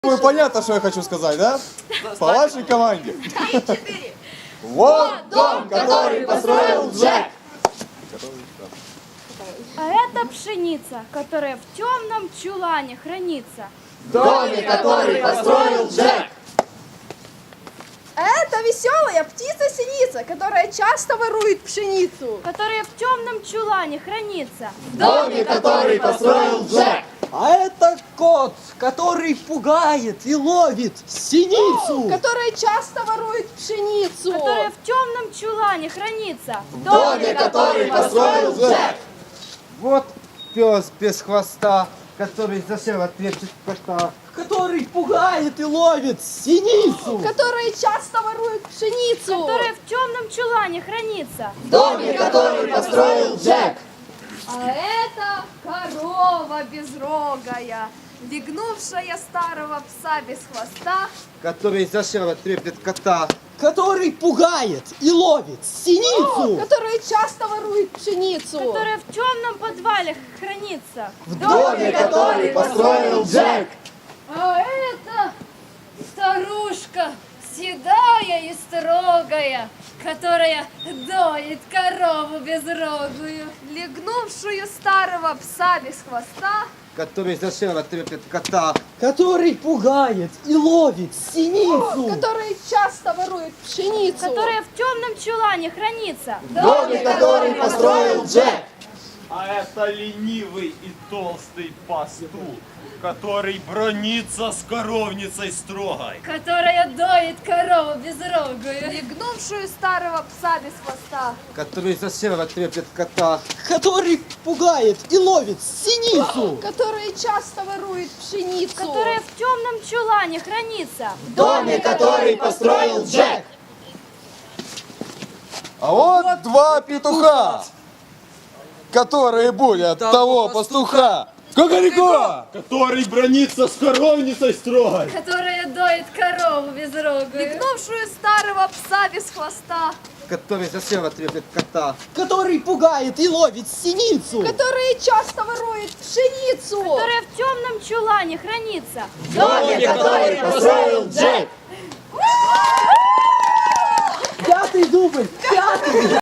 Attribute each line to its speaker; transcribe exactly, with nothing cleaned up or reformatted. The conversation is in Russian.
Speaker 1: Вы понятно, что я хочу сказать, да? По вашей команде. Вот дом, который построил Джек.
Speaker 2: А это пшеница, которая в темном чулане хранится.
Speaker 1: В доме, который построил Джек.
Speaker 3: Это веселая птица-синица, которая часто ворует пшеницу.
Speaker 2: Которая в темном чулане хранится.
Speaker 1: В доме, который построил Джек.
Speaker 4: А это кот, который пугает и ловит синицу.
Speaker 3: Которая часто ворует пшеницу.
Speaker 2: Которая в темном чулане хранится.
Speaker 1: В доме, который построил Джек.
Speaker 4: Вот пес без хвоста, который засел от трепет кота. Который пугает и ловит синицу.
Speaker 3: Которая часто ворует пшеницу.
Speaker 2: Которая в темном чулане хранится.
Speaker 1: В доме, который построил Джек.
Speaker 3: А это корова безрогая, легнувшая старого пса без хвоста.
Speaker 4: Который засел от трепет кота. Который пугает и ловит синицу.
Speaker 3: Которая часто ворует пшеницу.
Speaker 2: Которая в темном подвале хранится.
Speaker 1: В доме, который построил Джек.
Speaker 2: А это старушка, седая и строгая, которая доит корову безрогую.
Speaker 3: Легнувшую старого пса без хвоста.
Speaker 4: Который засел от трепет кота. Который пугает и ловит синицу.
Speaker 3: Которая часто ворует пшеницу.
Speaker 2: Которая в темном чулане хранится.
Speaker 1: В доме, который построил Джек.
Speaker 5: А это ленивый и толстый пастух, который бронится с коровницей строгой.
Speaker 2: Которая доит корову безрогую.
Speaker 3: Легнувшую старого пса без хвоста.
Speaker 4: Который засел от трепет кота. Который пугает и ловит синицу.
Speaker 3: Которая часто ворует пшеницу.
Speaker 2: Которая в темном чулане хранится.
Speaker 1: В доме, который построил Джек. А вот два петуха, которые будут того пастуха. Кукареку!
Speaker 5: Который бронится с коровницей строгой.
Speaker 2: Которая доит корову безрогую.
Speaker 3: Легнувшую старого пса без хвоста.
Speaker 4: Который засел от трепет кота. Который пугает и ловит синицу.
Speaker 3: Которая часто ворует пшеницу.
Speaker 2: Которая в темном чулане хранится.
Speaker 1: В доме, который построил Джек.
Speaker 4: Пятый дубль! Пятый!